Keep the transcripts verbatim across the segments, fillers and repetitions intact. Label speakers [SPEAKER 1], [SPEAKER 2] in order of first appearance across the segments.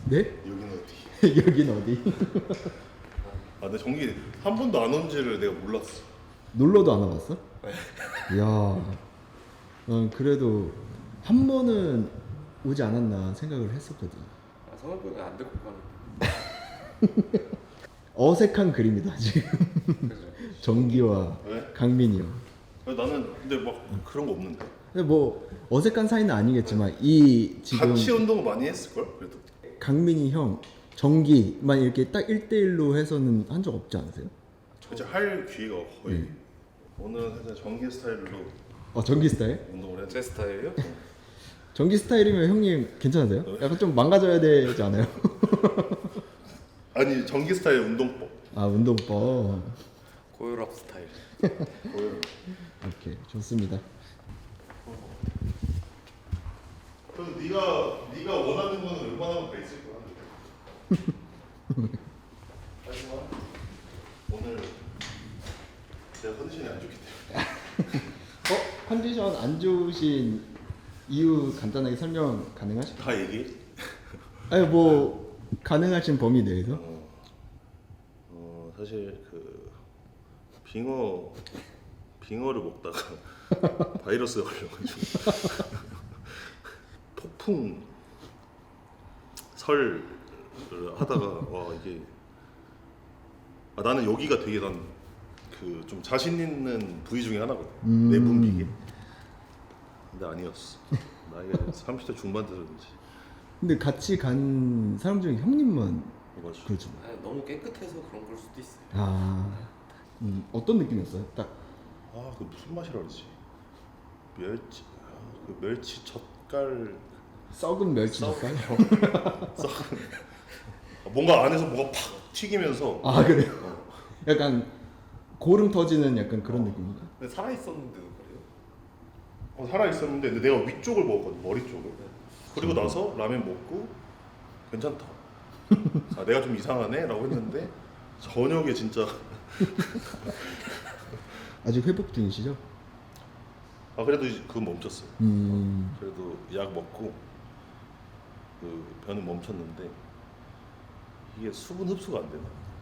[SPEAKER 1] 네?
[SPEAKER 2] 여긴 어디?
[SPEAKER 1] 여긴 어디?
[SPEAKER 2] 아, 근데 전기 한 번도 안 온지를 내가 몰랐어.
[SPEAKER 1] 놀러도 안 와봤어? 이야, 난 그래도 한 번은 오지 않았나 생각을 했었거든.
[SPEAKER 3] 아, 성형병이 안 데리고 가는.
[SPEAKER 1] 어색한 그림이다 지금.
[SPEAKER 3] 그죠.
[SPEAKER 1] 정기와
[SPEAKER 2] 왜?
[SPEAKER 1] 강민이 형.
[SPEAKER 2] 나는 근데 막 그런 거 없는데.
[SPEAKER 1] 근데 뭐 어색한 사이는 아니겠지만 이 지금
[SPEAKER 2] 같이 운동을 많이 했을 걸 그래도.
[SPEAKER 1] 강민이 형, 정기만 이렇게 딱 일 대일로 해서는 한 적 없지 않으세요?
[SPEAKER 2] 이제 할 기회가 거의.
[SPEAKER 1] 네.
[SPEAKER 2] 오늘은 살짝 전기 스타일로
[SPEAKER 1] 어, 정기 스타일?
[SPEAKER 2] 운동을 했는데.
[SPEAKER 3] 제 스타일이요?
[SPEAKER 1] 정기 스타일이면 형님 괜찮으세요? 약간 좀 망가져야 되지 않아요?
[SPEAKER 2] 아니 전기 스타일 운동법.
[SPEAKER 1] 아, 운동법.
[SPEAKER 3] 고혈압 스타일.
[SPEAKER 2] 보여요.
[SPEAKER 1] 오케이, 좋습니다.
[SPEAKER 2] 그래서 네가 네가 원하는 거는 웬만하면 다 있을 거야. 하지만 오늘 제가 컨디션이 안 좋기 때문에.
[SPEAKER 1] 어? 컨디션 안 좋으신 이유 간단하게 설명 가능하실까요?
[SPEAKER 2] 다 얘기해?
[SPEAKER 1] 아니 뭐 가능하신 범위 내에서?
[SPEAKER 2] 어, 어 사실 그 빙어 빙어를 먹다가 바이러스가 걸려가지고 폭풍 설을 하다가 와 이게 아, 나는 여기가 되게 난 그 좀 자신 있는 부위 중에 하나거든.
[SPEAKER 1] 음.
[SPEAKER 2] 내분비계. 근데 아니었어. 나이가 삼십 대 중반 되는지.
[SPEAKER 1] 근데 같이 간 사람 중에 형님만
[SPEAKER 2] 맞아.
[SPEAKER 1] 그렇죠.
[SPEAKER 3] 아, 너무 깨끗해서 그런 걸 수도 있어요.
[SPEAKER 1] 아, 음, 어떤 느낌이었어요? 딱
[SPEAKER 2] 아, 그 무슨 맛이라 그러지? 멸치, 아, 그 멸치 젓갈
[SPEAKER 1] 썩은 멸치
[SPEAKER 2] 썩-
[SPEAKER 1] 젓갈?
[SPEAKER 2] 썩은 뭔가 안에서 뭐가 팍 튀기면서
[SPEAKER 1] 아 그래요? 약간 고름 터지는 약간 그런 느낌인가?
[SPEAKER 3] 근데 살아 있었는데도 그래요?
[SPEAKER 2] 어, 살아 있었는데 근데 내가 위쪽을 먹었거든, 머리 쪽을. 그리고 나서 라면 먹고 괜찮다. 아, 내가 좀 이상하네라고 했는데 저녁에 진짜
[SPEAKER 1] 아직 회복 중이시죠?
[SPEAKER 2] 아 그래도 이제 그건 멈췄어요.
[SPEAKER 1] 음,
[SPEAKER 2] 그래도 약 먹고 그 변은 멈췄는데 이게 수분 흡수가 안 되나?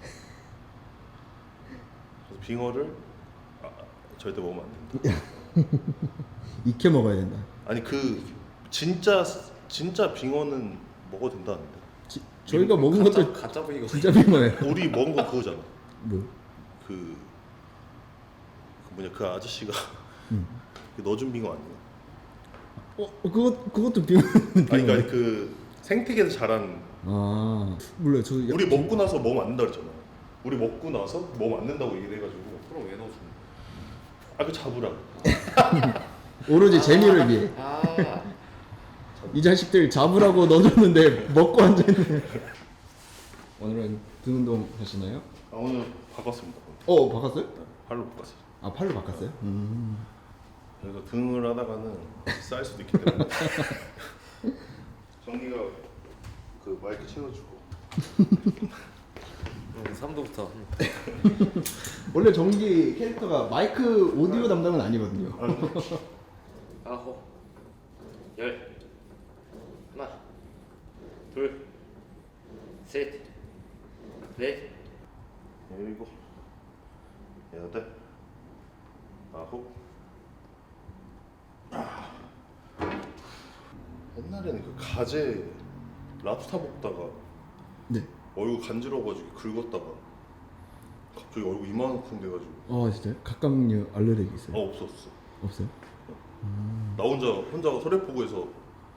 [SPEAKER 2] 그래서 빙어를 아, 절대 먹으면 안 된다.
[SPEAKER 1] 익혀 먹어야 된다.
[SPEAKER 2] 아니 그 진짜 진짜 빙어는 먹어도 된다는데.
[SPEAKER 1] 지, 저희가 먹은
[SPEAKER 3] 가짜,
[SPEAKER 1] 것도
[SPEAKER 3] 가짜 부위가
[SPEAKER 1] 진짜 빙어예요.
[SPEAKER 2] 우리 먹은 거 그거잖아.
[SPEAKER 1] 뭐?
[SPEAKER 2] 그, 그 뭐냐 그 아저씨가
[SPEAKER 1] 음.
[SPEAKER 2] 그 넣어준 빙어 아니야?
[SPEAKER 1] 어, 그것 그것도 빙어.
[SPEAKER 2] 아니 그러니까 아니, 그 생태계에서 자란.
[SPEAKER 1] 아, 몰라요. 저
[SPEAKER 2] 우리 먹고 나서 먹으면 안 된다 그랬잖아. 우리 먹고 나서 먹으면 안 된다고 얘기를 해가지고
[SPEAKER 3] 그럼 왜 넣어주는
[SPEAKER 2] 아 그 잡으라.
[SPEAKER 1] 오로지 재미를 위해
[SPEAKER 3] 아,
[SPEAKER 1] 이 자식들 잡으라고 넣어줬는데 먹고 앉아있네. 오늘은 등 운동 하시나요?
[SPEAKER 2] 아 오늘 바꿨습니다.
[SPEAKER 1] 어, 바꿨어요?
[SPEAKER 2] 팔로 바꿨어요.
[SPEAKER 1] 아, 팔로 바꿨어요? 음.
[SPEAKER 2] 그래서 등을 하다가는 쌀 수도 있기 때문에 정기가 그 마이크 채워주고.
[SPEAKER 3] 음, 삼 도부터.
[SPEAKER 1] 원래 정기 캐릭터가 마이크 오디오 담당은 아니거든요.
[SPEAKER 3] 아홉, 열, 하나, 둘, 셋, 넷,
[SPEAKER 2] 일곱, 여덟, 아홉. 아. 옛날에는 그 가재 랍스타 먹다가
[SPEAKER 1] 네.
[SPEAKER 2] 얼굴 간지러워가지고 긁었다가 갑자기 얼굴 이만큼 돼가지고
[SPEAKER 1] 어, 진짜요? 각각류 알레르기 있어요?
[SPEAKER 2] 아 없었어.
[SPEAKER 1] 없어요?
[SPEAKER 2] 나 혼자 혼자가 소래포구에서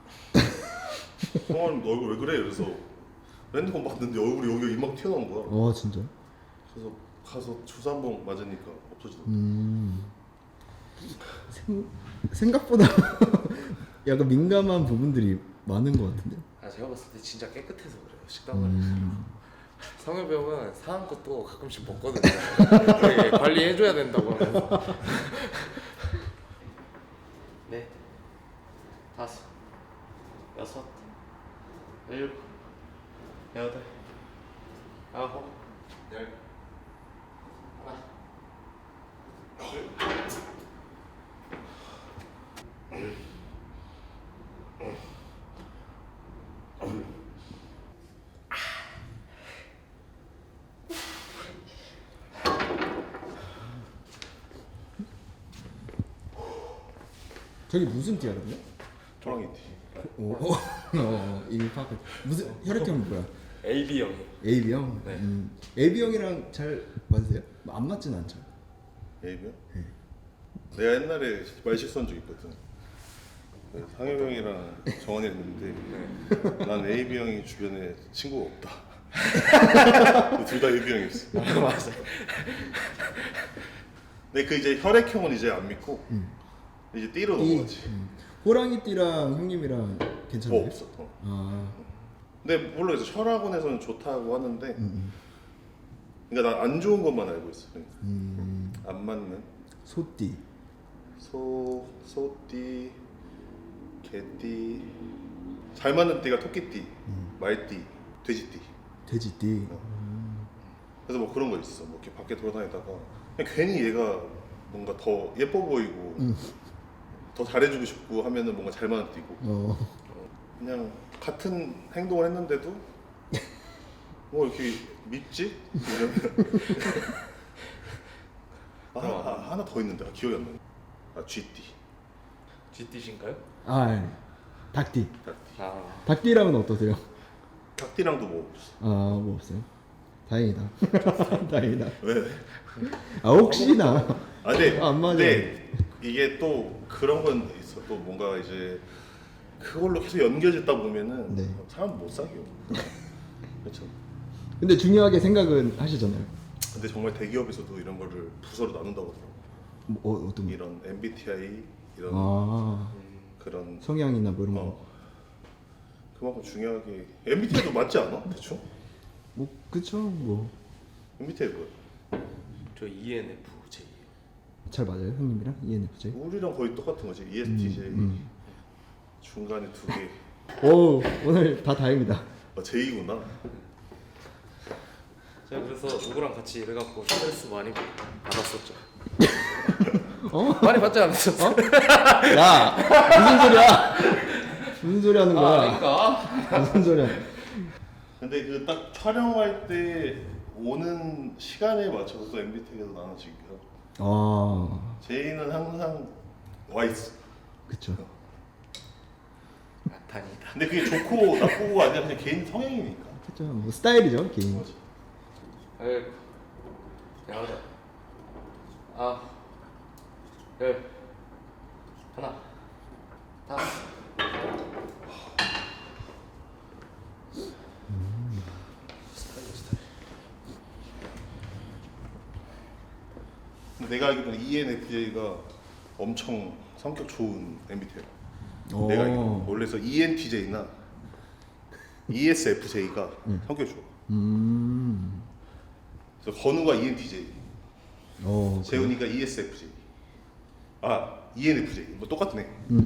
[SPEAKER 2] 성환 너 얼굴 왜 그래? 그래서 핸드폰 봤는데 얼굴이 여기 이만큼 튀어나온 거야.
[SPEAKER 1] 어, 진짜?
[SPEAKER 2] 그래서 가서 주사 한 번 맞으니까 없어지더라고.
[SPEAKER 1] 음. 생, 생각보다 약간 민감한 부분들이 많은 것 같은데.
[SPEAKER 3] 아, 제가 봤을 때 진짜 깨끗해서 그래요. 식당을.
[SPEAKER 1] 음.
[SPEAKER 3] 성현병은 상한 것도 가끔씩 먹거든요. 되게 관리해줘야 된다고 하면서. 네, 다섯, 여섯, 일곱, 여덟, 아홉, 열, 하나, 둘,
[SPEAKER 1] 저기 무슨 띠거든요?
[SPEAKER 2] 호랑이 티.
[SPEAKER 1] 오, 어, 어, 이미 파악. 무슨 혈액형이 뭐야?
[SPEAKER 3] 에이비형.
[SPEAKER 1] 에이비형.
[SPEAKER 3] 네.
[SPEAKER 1] 음, 에이비형이랑 잘 맞으세요? 안 맞진 않죠.
[SPEAKER 2] A병? 내가 옛날에 말 실수한 적 있거든. 상엽 형이랑 정원이 했는데 난 에이비 형이 주변에 친구가 없다. 둘 다 에이비 형이었어.
[SPEAKER 3] 맞아.
[SPEAKER 2] 근데 그 이제 혈액형은 이제 안 믿고
[SPEAKER 1] 음.
[SPEAKER 2] 이제 띠로
[SPEAKER 1] 이,
[SPEAKER 2] 넘어가지.
[SPEAKER 1] 음. 호랑이띠랑 형님이랑 괜찮아요?
[SPEAKER 2] 뭐 없어. 어.
[SPEAKER 1] 아,
[SPEAKER 2] 근데 물론 이제 철학원에서는 좋다고 하는데
[SPEAKER 1] 음,
[SPEAKER 2] 그러니까 난 안 좋은 것만 알고 있어.
[SPEAKER 1] 음,
[SPEAKER 2] 안 맞는
[SPEAKER 1] 소띠.
[SPEAKER 2] 소, 소띠, 개띠, 잘 맞는 띠가 토끼띠, 말띠, 돼지띠.
[SPEAKER 1] 돼지띠.
[SPEAKER 2] 그래서 뭐 그런 거 있어. 뭐 이렇게 밖에 돌아다니다가 그냥 괜히 얘가 뭔가 더 예뻐 보이고
[SPEAKER 1] 음.
[SPEAKER 2] 더 잘해주고 싶고 하면은 뭔가 잘 맞는 띠고
[SPEAKER 1] 어,
[SPEAKER 2] 그냥 같은 행동을 했는데도 뭐 이렇게 밉지? 이러면 아, 아, 하나 더 있는데 아, 기억이 안 나네. 아 쥐띠.
[SPEAKER 3] 쥐띠신가요?
[SPEAKER 1] 아, 예. 닭띠.
[SPEAKER 3] 아.
[SPEAKER 1] 닭띠랑은 어떠세요?
[SPEAKER 2] 닭띠랑도 뭐 없어.
[SPEAKER 1] 아, 뭐 없어요. 다행이다. 다행이다.
[SPEAKER 2] 왜?
[SPEAKER 1] 아, 혹시나.
[SPEAKER 2] 아 근데,
[SPEAKER 1] 안 맞아요.
[SPEAKER 2] 근데 이게 또 그런 건 있어. 또 뭔가 이제 그걸로 계속 연결짓다 보면은
[SPEAKER 1] 네.
[SPEAKER 2] 사람 못 사겨. 그렇죠.
[SPEAKER 1] 근데 중요하게 생각은 하시잖아요.
[SPEAKER 2] 근데 정말 대기업에서도 이런 거를 부서로 나눈다고 하더라고.
[SPEAKER 1] 뭐, 어, 어떤 거?
[SPEAKER 2] 이런 엠비티아이 이런
[SPEAKER 1] 아,
[SPEAKER 2] 그런
[SPEAKER 1] 성향이나 뭐 이런 거.
[SPEAKER 2] 어 그만큼 중요하게 엠비티아이도 맞지 않아? 대충?
[SPEAKER 1] 뭐, 그쵸. 뭐.
[SPEAKER 2] 엠비티아이 뭐야?
[SPEAKER 3] 저 이엔에프제이.
[SPEAKER 1] 잘 맞아요, 형님이랑? 이엔에프제이?
[SPEAKER 2] 우리랑 거의 똑같은 거지. 이에스티제이
[SPEAKER 1] 음,
[SPEAKER 2] 중간에 두 개.
[SPEAKER 1] 오, 오늘 다 다행이다.
[SPEAKER 2] 아 제이구나.
[SPEAKER 3] 제가 그래서 누구랑 같이 일해갖고 스트레스 많이 받았었죠.
[SPEAKER 1] 어?
[SPEAKER 3] 많이 받지 않으셨어요?
[SPEAKER 1] 야, 무슨 소리야? 무슨 소리 하는 거야?
[SPEAKER 3] 아닌가?
[SPEAKER 1] 무슨 소리야?
[SPEAKER 2] 근데 그 딱 촬영할 때 오는 시간에 맞춰서 또 엠비티아이가 나눠지기도 하고.
[SPEAKER 1] 아,
[SPEAKER 2] 제이는 항상 와 있어.
[SPEAKER 1] 그쵸.
[SPEAKER 3] 다행이다.
[SPEAKER 2] 근데 그게 좋고 나쁘고 아니라 그냥 개인 성향이니까.
[SPEAKER 1] 그쵸. 뭐 스타일이죠, 개인.
[SPEAKER 3] 아이고. 야하다. 아. 열. 하나. 다섯. 스타일 스타일.
[SPEAKER 2] 근데 내가 알기로는 이엔에프제이가 엄청 성격 좋은 엠비티아이.
[SPEAKER 1] 오.
[SPEAKER 2] 내가 알기로 원래서 이엔티제이나 이에스에프제이가 성격이 좋아.
[SPEAKER 1] 음,
[SPEAKER 2] 그래서 건우가 이엔티제이,
[SPEAKER 1] 어,
[SPEAKER 2] 재훈이가 이에스에프제이. 아 이엔에프제이 뭐 똑같네.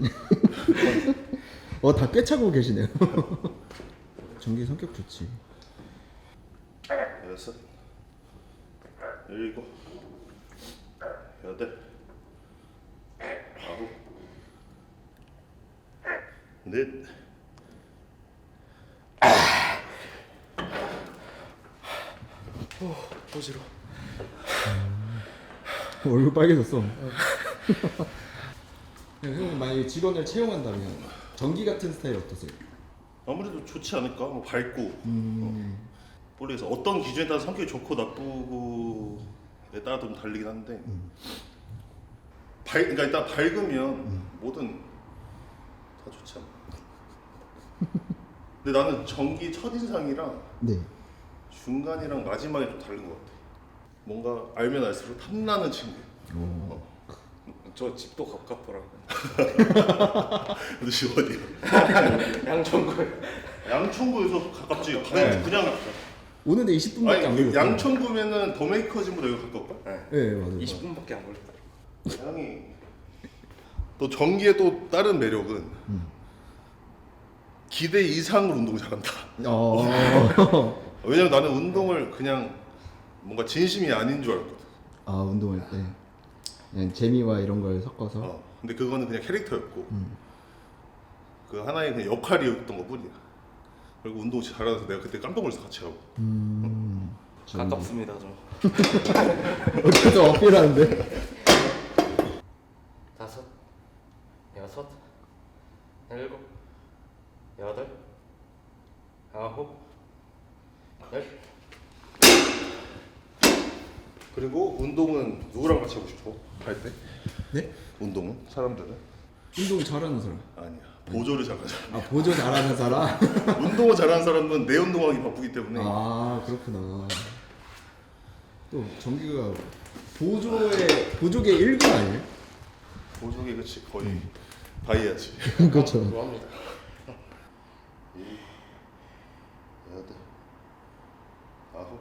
[SPEAKER 1] 어, 다 꿰차고 계시네요. 전기 성격 좋지.
[SPEAKER 2] 여섯, 일곱, 여덟, 아홉, 넷.
[SPEAKER 3] 어, 어지러워.
[SPEAKER 1] 얼굴 빨개졌어. 형님 만약에 직원을 채용한다면 전기 같은 스타일 어떠세요?
[SPEAKER 2] 아무래도 좋지 않을까? 뭐 밝고.
[SPEAKER 1] 음,
[SPEAKER 2] 모르겠어. 어떤 기준에 따라 성격이 좋고 나쁘고에 따라 좀 다르긴 한데. 밝, 그러니까 일단 밝으면 뭐든 다 좋지 않아. 근데 나는 전기 첫인상이랑
[SPEAKER 1] 네.
[SPEAKER 2] 중간이랑 마지막이 좀 다른 것 같아. 뭔가 알면 알수록 탐나는 친구.
[SPEAKER 1] 오.
[SPEAKER 2] 어.
[SPEAKER 3] 저 집도 가깝더라고.
[SPEAKER 2] 너 집 어디야?
[SPEAKER 3] 양천구에.
[SPEAKER 2] 양천구에서 가깝지. 그냥,
[SPEAKER 1] 네.
[SPEAKER 2] 그냥
[SPEAKER 1] 오는데 이십 분밖에 안
[SPEAKER 2] 아니
[SPEAKER 1] 걸렸어요.
[SPEAKER 2] 양천구면은 더메이커진보다 여기 가까울걸?
[SPEAKER 3] 네.
[SPEAKER 1] 네, 맞아요.
[SPEAKER 3] 이십 분밖에 안 걸렸더라고.
[SPEAKER 2] 형이 또 전기의 또 다른 매력은
[SPEAKER 1] 음.
[SPEAKER 2] 기대 이상으로 운동 잘한다.
[SPEAKER 1] 어.
[SPEAKER 2] 왜냐면 나는 운동을 그냥 뭔가 진심이 아닌 줄 알았거든.
[SPEAKER 1] 아, 운동할 때 그냥 재미와 이런 걸 섞어서.
[SPEAKER 2] 어. 근데 그거는 그냥 캐릭터였고
[SPEAKER 1] 음.
[SPEAKER 2] 그 하나의 그냥 역할이었던 것뿐이야. 그리고 운동 잘하면서 내가 그때 깜짝 놀라서 같이 하고.
[SPEAKER 1] 음.
[SPEAKER 3] 가깝습니다 저.
[SPEAKER 1] 어디서 어필하는데?
[SPEAKER 3] 다섯. 여섯.
[SPEAKER 2] 그리고 운동은 누구랑 같이 하고 싶어? 할 때?
[SPEAKER 1] 네?
[SPEAKER 2] 운동은? 사람들은?
[SPEAKER 1] 운동 잘하는 사람.
[SPEAKER 2] 아니야. 보조를 잘하는 사람.
[SPEAKER 1] 아 보조 잘하는 사람.
[SPEAKER 2] 운동을 잘하는 사람은 내 운동하기 바쁘기 때문에
[SPEAKER 1] 아 그렇구나. 또 정기가 보조의 보조계 일부 아니에요?
[SPEAKER 2] 보조개 그치 거의 다 해야지.
[SPEAKER 1] 그렇죠.
[SPEAKER 3] 좋아합니다.
[SPEAKER 2] 여덟, 아홉.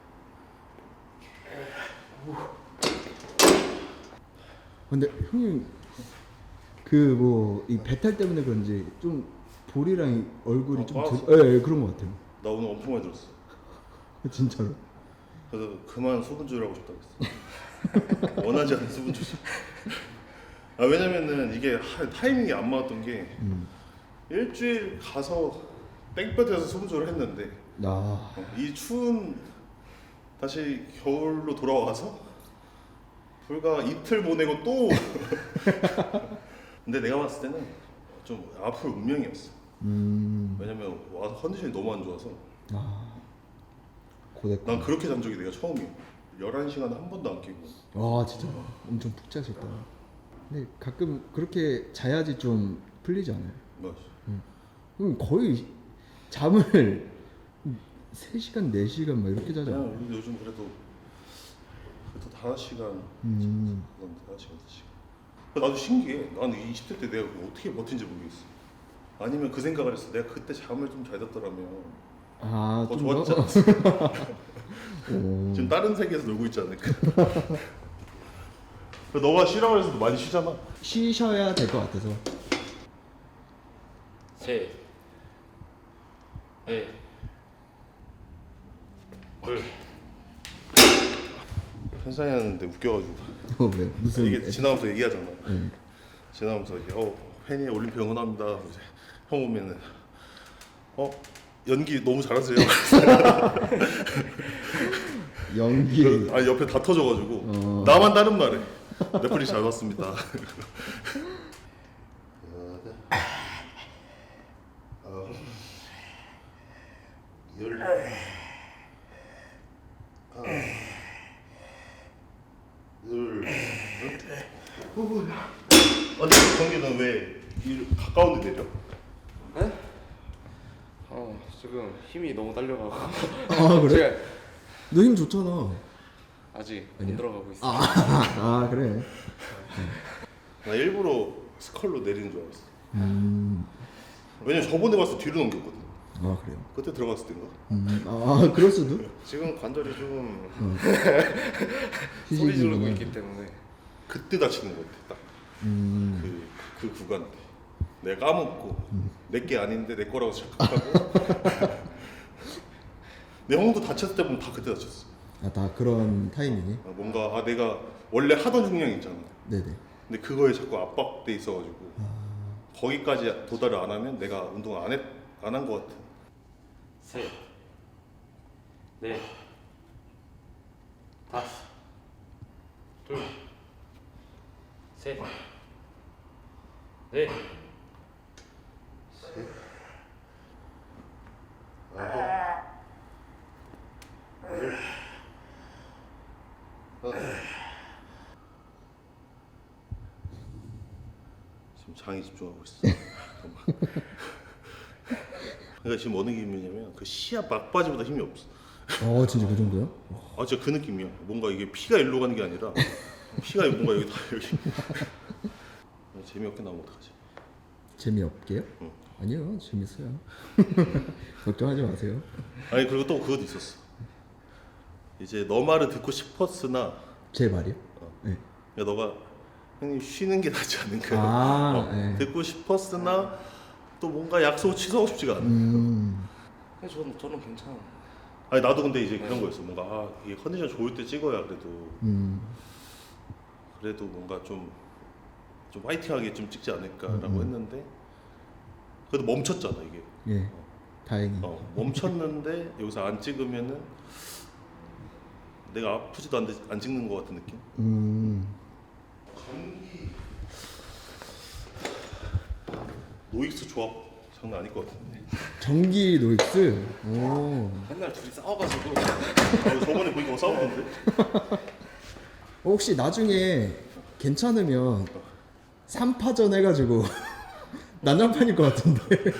[SPEAKER 1] 근데 형님 그 뭐 이 배탈 때문에 그런지 좀 볼이랑 이 얼굴이
[SPEAKER 2] 아,
[SPEAKER 1] 좀
[SPEAKER 2] 빠졌어?
[SPEAKER 1] 드... 예, 예, 그런 것 같아요.
[SPEAKER 2] 나 오늘 엄청 많이 들었어.
[SPEAKER 1] 진짜로.
[SPEAKER 2] 그래서 그만 수분 조절하고 싶다고 했어. 원하지 않는 수분 조절. 아 왜냐면은 이게 하, 타이밍이 안 맞았던 게
[SPEAKER 1] 음.
[SPEAKER 2] 일주일 가서 땡볕에서 수분 조절을 했는데
[SPEAKER 1] 아
[SPEAKER 2] 어, 이 추운 다시 겨울로 돌아와서 불과 이틀 보내고 또 근데 내가 봤을 때는 좀 아플 운명이었어.
[SPEAKER 1] 음.
[SPEAKER 2] 왜냐면 와서 컨디션이 너무 안 좋아서
[SPEAKER 1] 아 고됐고.
[SPEAKER 2] 난 그렇게 잔 적이 내가 처음이야. 열한 시간 한 번도 안 깨고.
[SPEAKER 1] 와 진짜 엄청 푹 자셨다. 근데 가끔 그렇게 자야지 좀 풀리지 않아요?
[SPEAKER 2] 맞아.
[SPEAKER 1] 그럼 거의 잠을 세 시간, 네 시간 막 이렇게 자잖아.
[SPEAKER 2] 그냥 우리 요즘 그래도 그래도 다섯 시간
[SPEAKER 1] 음.
[SPEAKER 2] 그건 다섯 시간 다섯 시간. 나도 신기해. 나는 이십 대 때 내가 그거 어떻게 버틴지 모르겠어. 아니면 그 생각을 했어. 내가 그때 잠을 좀 잘 잤더라면
[SPEAKER 1] 아,
[SPEAKER 2] 더
[SPEAKER 1] 좀
[SPEAKER 2] 좋았지
[SPEAKER 1] 더?
[SPEAKER 2] 않았어.
[SPEAKER 1] 오.
[SPEAKER 2] 지금 다른 세계에서 놀고 있지 않을까. 너가 쉬라고 해서도 많이 쉬잖아.
[SPEAKER 1] 쉬셔야 될 것 같아서.
[SPEAKER 3] 셋, 넷, 둘.
[SPEAKER 2] 현상이 하는데 웃겨가지고
[SPEAKER 1] 어, 왜? 무슨
[SPEAKER 2] 이게 지나면서 얘기하잖아.
[SPEAKER 1] 응.
[SPEAKER 2] 지나면서 이게 어 팬이 올림픽 응원합니다. 이제 형 오면은 어 연기 너무 잘하세요.
[SPEAKER 1] 연기.
[SPEAKER 2] 그, 아 옆에 다 터져가지고
[SPEAKER 1] 어.
[SPEAKER 2] 나만 다른 말해. 넷플릭스 잘 봤습니다. 열. 둘. 아니 경기는 왜 이 가까운 데 내려?
[SPEAKER 3] 네? 어 지금 힘이 너무 딸려가고.
[SPEAKER 1] 아 그래?
[SPEAKER 3] 제가
[SPEAKER 1] 너 힘 좋잖아.
[SPEAKER 3] 아직
[SPEAKER 1] 아니야?
[SPEAKER 3] 안 들어가고 있어요.
[SPEAKER 1] 아, 아 그래.
[SPEAKER 2] 나 일부러 스컬로 내리는 줄 알았어.
[SPEAKER 1] 음.
[SPEAKER 2] 왜냐면 저번에 갔을 때 뒤로 넘겼거든.
[SPEAKER 1] 아 그래요.
[SPEAKER 2] 그때 들어갔을 때인가?
[SPEAKER 1] 음. 아 그럴 수도.
[SPEAKER 3] 지금 관절이 좀
[SPEAKER 1] 어.
[SPEAKER 3] 소리 지르고
[SPEAKER 1] 휴식이구나.
[SPEAKER 3] 있기 때문에.
[SPEAKER 2] 그때 다치는 것 같아. 딱.
[SPEAKER 1] 음.
[SPEAKER 2] 그, 그 구간 때 내가 까먹고 내 게 아닌데 내 거라고 착각하고 내 형도 다쳤을 때 보면 다 그때 다쳤어.
[SPEAKER 1] 아 다 그런 타이밍이.
[SPEAKER 2] 아, 뭔가 아 내가 원래 하던 중량 있잖아.
[SPEAKER 1] 네네.
[SPEAKER 2] 근데 그거에 자꾸 압박돼 있어가지고
[SPEAKER 1] 아.
[SPEAKER 2] 거기까지 도달을 안 하면 내가 운동 안 했 안 한 것 같아.
[SPEAKER 3] 셋, 넷, 다섯, 둘, 셋, 넷,
[SPEAKER 2] 지금 장에 집중하고 있어. 잠깐만. 그러니까 지금 어느 기분이냐면 그 시합 막바지보다 힘이 없어.
[SPEAKER 1] 어 진짜 그 정도요?
[SPEAKER 2] 아 진짜 그 느낌이야. 뭔가 이게 피가 일로 가는 게 아니라 피가 뭔가 여기 다 여기. 재미없게 나오면 어떡하지?
[SPEAKER 1] 재미없게요?
[SPEAKER 2] 응.
[SPEAKER 1] 아니요 재밌어요. 걱정하지 마세요.
[SPEAKER 2] 아니 그리고 또 그것도 있었어. 이제 너 말을 듣고 싶었으나
[SPEAKER 1] 제 말이요?
[SPEAKER 2] 어.
[SPEAKER 1] 네.
[SPEAKER 2] 야 너가 형님 쉬는 게 낫지 않을까?
[SPEAKER 1] 아,
[SPEAKER 2] 어,
[SPEAKER 1] 네.
[SPEAKER 2] 듣고 싶었으나 또 뭔가 약속 취소하고 싶지가 않아.
[SPEAKER 1] 음.
[SPEAKER 3] 근데 저는 저는 괜찮아.
[SPEAKER 2] 아니 나도 근데 이제 그런 거였어. 뭔가 아 이게 컨디션 좋을 때 찍어야 그래도
[SPEAKER 1] 음.
[SPEAKER 2] 그래도 뭔가 좀 좀 화이팅하게 좀 찍지 않을까라고
[SPEAKER 1] 음, 음.
[SPEAKER 2] 했는데 그래도 멈췄잖아 이게.
[SPEAKER 1] 예. 다행히.
[SPEAKER 2] 어, 멈췄는데 여기서 안 찍으면은 내가 아프지도 않는데 안 찍는 것 같은 느낌?
[SPEAKER 1] 음.
[SPEAKER 2] 노익스 조합 장난 아닐 것 같은데.
[SPEAKER 1] 전기 노익스. 오.
[SPEAKER 3] 맨날 둘이 싸워가지고.
[SPEAKER 2] 아, 저번에 보니까 싸우던데.
[SPEAKER 1] 혹시 나중에 괜찮으면 삼 파전 해가지고 난장판일 것 같은데.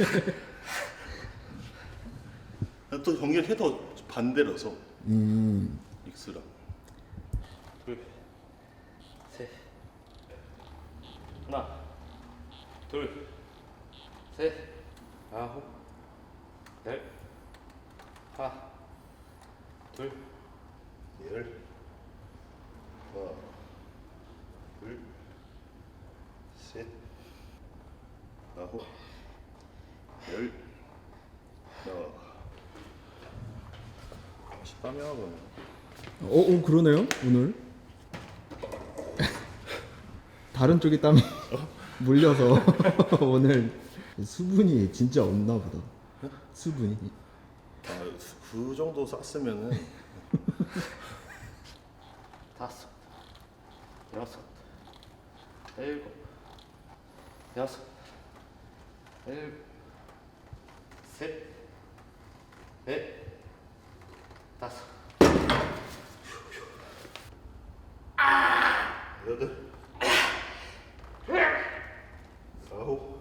[SPEAKER 2] 또 경기를 해도 반대라서
[SPEAKER 1] 음.
[SPEAKER 2] 믹스랑 둘
[SPEAKER 3] 셋. 하나, 둘, 셋, 아홉, 열, 하나, 둘,
[SPEAKER 2] 열 하나 둘 셋 아홉 열 하나 땀이 하나 나네.
[SPEAKER 1] 어, 어 그러네요 오늘. 다른 쪽에 땀이 물려서 오늘 수분이 진짜 없나 보다. 수분이.
[SPEAKER 2] 아, 그 정도 쌌으면은
[SPEAKER 3] 다섯, 여섯, 일곱, 여섯, 일곱, 셋, 넷, 다섯,
[SPEAKER 2] 여덟 아홉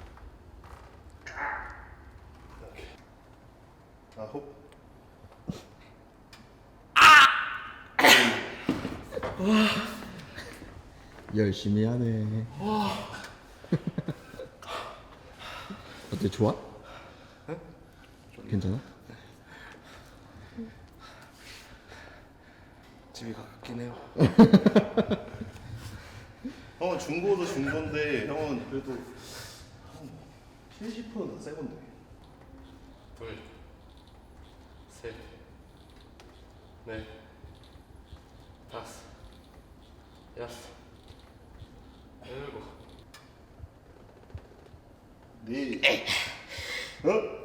[SPEAKER 2] 아홉
[SPEAKER 1] 열심히 하네. 어때 좋아? 괜찮아?
[SPEAKER 3] 집이 가깝긴 해요.
[SPEAKER 2] 형은 중고도 중고인데 형은 그래도 한 칠십 퍼센트는 새 건데.
[SPEAKER 3] 둘, 셋, 넷, 다섯, 여섯, 일곱,
[SPEAKER 2] 네. 어?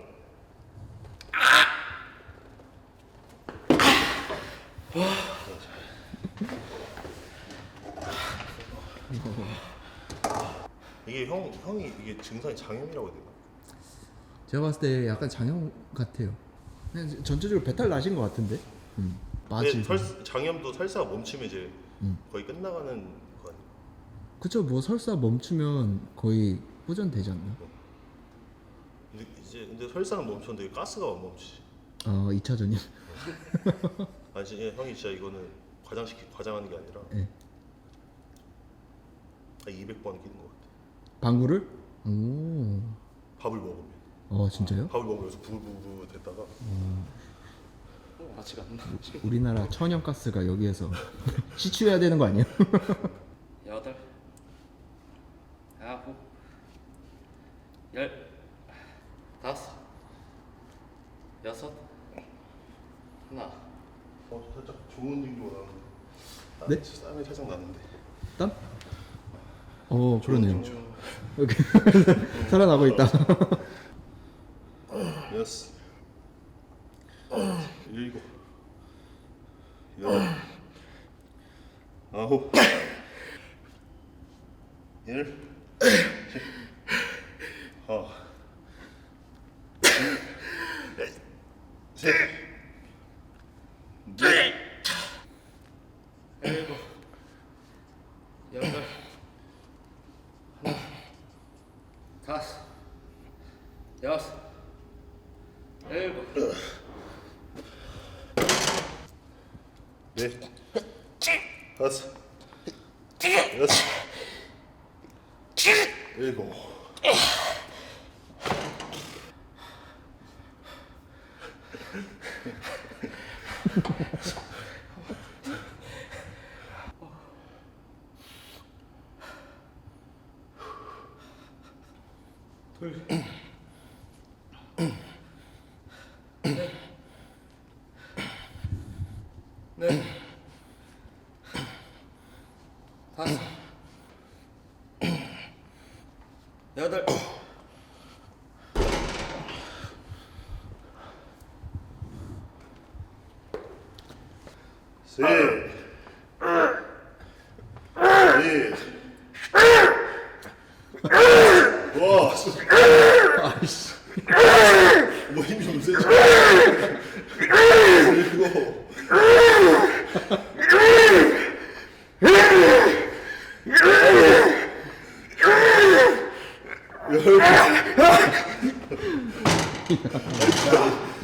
[SPEAKER 2] 이게 형 형이 이게 증상이 장염이라고 해야 되나?
[SPEAKER 1] 제가 봤을 때 약간 장염 같아요. 그냥 전체적으로 배탈 나신 것 같은데. 음.
[SPEAKER 2] 근데
[SPEAKER 1] 맞지.
[SPEAKER 2] 설, 장염도 설사가 멈추면 이제
[SPEAKER 1] 음.
[SPEAKER 2] 거의 끝나가는 거 아니야?
[SPEAKER 1] 그쵸. 뭐 설사 멈추면 거의 호전되지 않나?
[SPEAKER 2] 근데 이제 근데 설사는 멈췄는데 가스가 안 멈추지.
[SPEAKER 1] 어 이 차전이요.
[SPEAKER 2] 아니 진짜 형이 진짜 이거는 과장시키 과장하는 게 아니라
[SPEAKER 1] 네.
[SPEAKER 2] 한 이백 번 끼는 것 같아.
[SPEAKER 1] 방구를? 오.
[SPEAKER 2] 밥을 먹으면
[SPEAKER 1] 어 진짜요?
[SPEAKER 2] 밥을 먹으면서 부부부 됐다가
[SPEAKER 3] 어, 아직 안 나지.
[SPEAKER 1] 우리나라 천연가스가 여기에서 시추해야 되는 거 아니에요?
[SPEAKER 3] 여덟, 아홉, 열, 다섯, 여섯, 하나,
[SPEAKER 2] 어 살짝 좋은 징조가 나는데.
[SPEAKER 1] 네?
[SPEAKER 2] 땀이 살짝 나는데.
[SPEAKER 1] 땀? 어 그러네요.
[SPEAKER 2] 징조.
[SPEAKER 1] 이렇게 살아나고 있다.
[SPEAKER 2] 여섯, 일곱, 여덟, 아홉, 열, 하나, 둘, 셋, 넷,
[SPEAKER 3] 일곱, 여덟, 하나, 다섯, 여섯, 일곱,
[SPEAKER 2] 넷, 다섯, 여섯, 일곱.
[SPEAKER 3] 둘, 넷, 다섯, 여덟,
[SPEAKER 2] 셋, 넷, 와,
[SPEAKER 1] 아이씨.
[SPEAKER 2] 뭐 힘이 좀 세지? 일곱,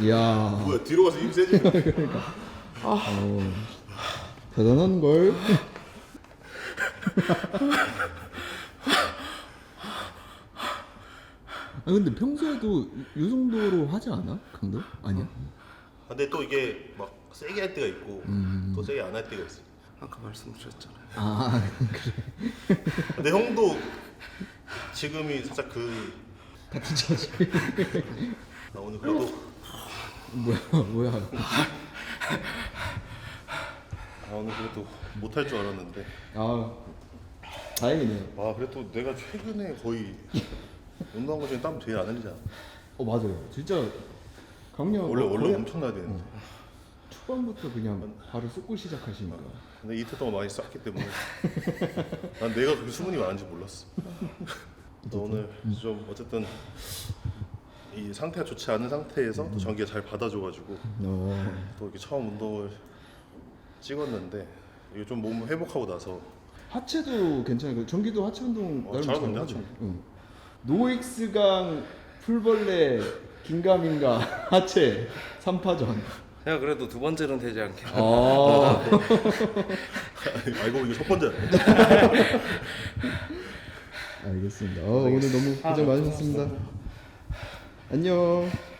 [SPEAKER 1] 이야.
[SPEAKER 2] 뭐야 뒤로 가서 힘 세지?
[SPEAKER 1] 어, 대단한 걸. 아 근데 평소에도 이 정도로 하지 않아? 강도? 아니야?
[SPEAKER 2] 근데 또 이게 막 세게 할 때가 있고
[SPEAKER 1] 음.
[SPEAKER 2] 또 세게 안 할 때가 있어.
[SPEAKER 3] 아까 말씀드렸잖아요.
[SPEAKER 1] 아 그래.
[SPEAKER 2] 근데 형도 지금이 살짝 그
[SPEAKER 1] 같은 처지.
[SPEAKER 2] 나 오늘 그래도
[SPEAKER 1] 뭐야 뭐야.
[SPEAKER 2] 아 오늘 그래도 못할 줄 알았는데
[SPEAKER 1] 아 다행이네요.
[SPEAKER 2] 아 그래도 내가 최근에 거의 운동한 거 중에 땀 제일 안 흘리잖아.
[SPEAKER 1] 어 맞아요. 진짜 강력
[SPEAKER 2] 원래 원래
[SPEAKER 1] 거의
[SPEAKER 2] 엄청 나야 되는데.
[SPEAKER 1] 초반부터 그냥 바로 쏟고 시작하시니까.
[SPEAKER 2] 근데 이틀 동안 많이 쌌기 때문에 난 내가 그렇게 수분이 많은지 몰랐어. 또 오늘 좀 어쨌든 이 상태가 좋지 않은 상태에서 또 전기가 잘 받아줘가지고
[SPEAKER 1] 어.
[SPEAKER 2] 또 이렇게 처음 운동을 찍었는데 이게 좀 몸 회복하고 나서
[SPEAKER 1] 하체도 괜찮아요. 전기도 하체 운동
[SPEAKER 2] 어,
[SPEAKER 1] 나름
[SPEAKER 2] 잘하던데,
[SPEAKER 1] 잘하죠.
[SPEAKER 2] 하체.
[SPEAKER 1] 응. 노익스강 풀벌레 긴가민가 하체 삼 파전.
[SPEAKER 3] 야 그래도 두 번째는 되지 않겠나.
[SPEAKER 1] 아.
[SPEAKER 2] 알고 보니 첫 번째.
[SPEAKER 1] 알겠습니다. 어, 오늘 너무 고생 많으셨습니다. 안녕.